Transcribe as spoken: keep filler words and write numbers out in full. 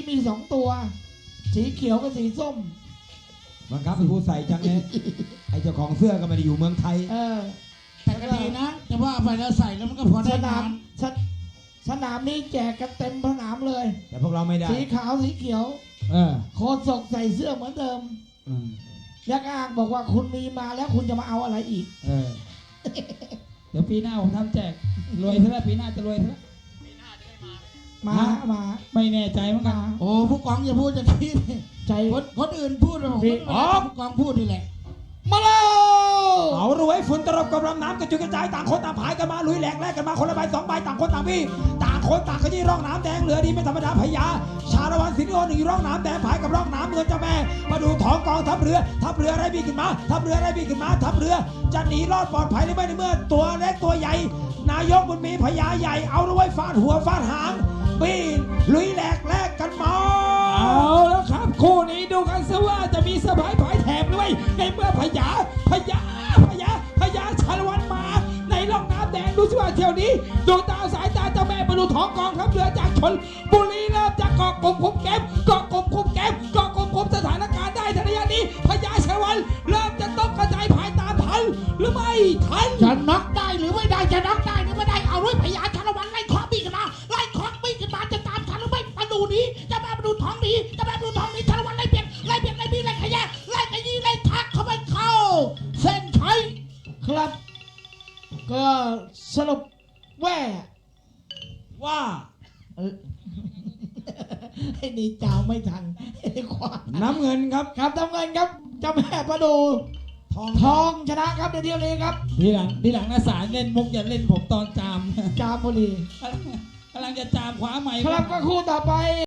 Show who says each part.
Speaker 1: มีสองตัวสีเขียวกับสีส้ม
Speaker 2: บังคับเป็นผู้ใส่จังเลยไอ้เจ้าของเสื้อก็ไม่ได้อยู่เมืองไทย
Speaker 1: เออ
Speaker 3: แต่ก็ดีนะแต่ว่าไปแล้วใส่แล้วมันก็พอได้
Speaker 1: สนาม
Speaker 3: น
Speaker 1: สนสนามนี้แจกกันเต็มสนามเลย
Speaker 2: แต่พวกเราไม่ได้
Speaker 1: สีขาวสีเขียว
Speaker 2: เออ
Speaker 1: โคศกใส่เสื้อเหมือนเดิม
Speaker 2: อืม
Speaker 1: ยักษ์อ้างบอกว่าคุณมีมาแล้วคุณจะมาเอาอะไรอีก
Speaker 2: เออ
Speaker 4: เดี๋ยวปีหน้าผมทำแจกรวยเท่าไหร่ปีหน้าจะรวยเท่าไหร่
Speaker 1: มามา
Speaker 4: ไม่แน่ใจเหมือนกัน
Speaker 1: มา
Speaker 3: ำโอ้ผู้กองอย่าพูดอย่างนี้ดิ
Speaker 1: ใจ
Speaker 3: คนคนอื่นพูดนะผม
Speaker 1: พี่
Speaker 3: ไม่ได้ผู้กองพูดนี่แหละ
Speaker 1: มาแล้ว
Speaker 2: เอารวยฝุ่นตลบกับลำน้ำกระจุยกระจายต่างคนต่างผายกันมาลุยแหลกแลกกันมาคนละใบสองใบต่างคนต่างพี่ต่างคนต่างขยี้ร่องน้ำแดงเหลือดีไม่ธรรมดาพญาชาละวันสิงห์โอหนึ่งร่องน้ำแดงผายกับร่องน้ำเงินเจ้าแม่มาดูท้องกองทัพเรือทัพเรืออะไรบีขึ้นมาทัพเรืออะไรบีขึ้นมาทัพเรือจะหนีรอดปลอดภัยหรือไม่ในเมื่อตัวเล็กตัวใหญ่นายกบุญมีพญาใหญ่เอารวยฟาดหัวฟาดหางปีนลุยแหลกแลกกันมา
Speaker 4: เอาแล้วครับคู่นี้ดูกันซะว่าจะมีสบายผายแถมด้วยในเมื่อพญาพญาพญาพญาชาละวันมาในร่องน้ำแดงดูสิว่าเที่ยวนี้ดวงดาวสายตาเจ้าแม่มาดูท้องกองทัพเรือจากชนบุรีเริ่มจากเกาะกลมคุมแก้มเกาะกลมคุมแก้มเกาะกลมคุมสถานการณ์ได้ทันทีนี้พญาชาละวันเริ่มจะต้องกระจายผายตามทันหรือไม่ทัน
Speaker 3: จะน็อกได้หรือไม่ได้จะน็อกได้หรือไม่ได้เอาด้วยพยาชาละวันไล่คอบี้กันมาไล่คอบี้กันมาจะตามทันหรือไม่มาดูนี้จะมาดูท้องนี้จะมาดูท้องนี้ชาละวันไล่เปลี่ยนไล่เปลี่ยนไล่บี้ไล่ขยะไล่ขยี้ไล่ทักเข้าไปเข้าเส้นชัย
Speaker 1: ครับ ก็สรุปแว่
Speaker 2: ว่า
Speaker 1: เออ ไอ้นี่เจ้าไม่ทันไอ้ควาย
Speaker 2: น้ำเงินครับ
Speaker 1: ครับทำเงินครับเจ้าแม่ประดู
Speaker 2: ทอง
Speaker 1: ทองชนะครับในเที่ยวนี้ครับ
Speaker 4: ทีหลังทีหลังนะสารเล่นมุกอย่าเล่นผมตอนจาม
Speaker 1: จามบุรี
Speaker 4: กำลังจะจามคว้าไม้
Speaker 1: ครับก็คู่ต่อไป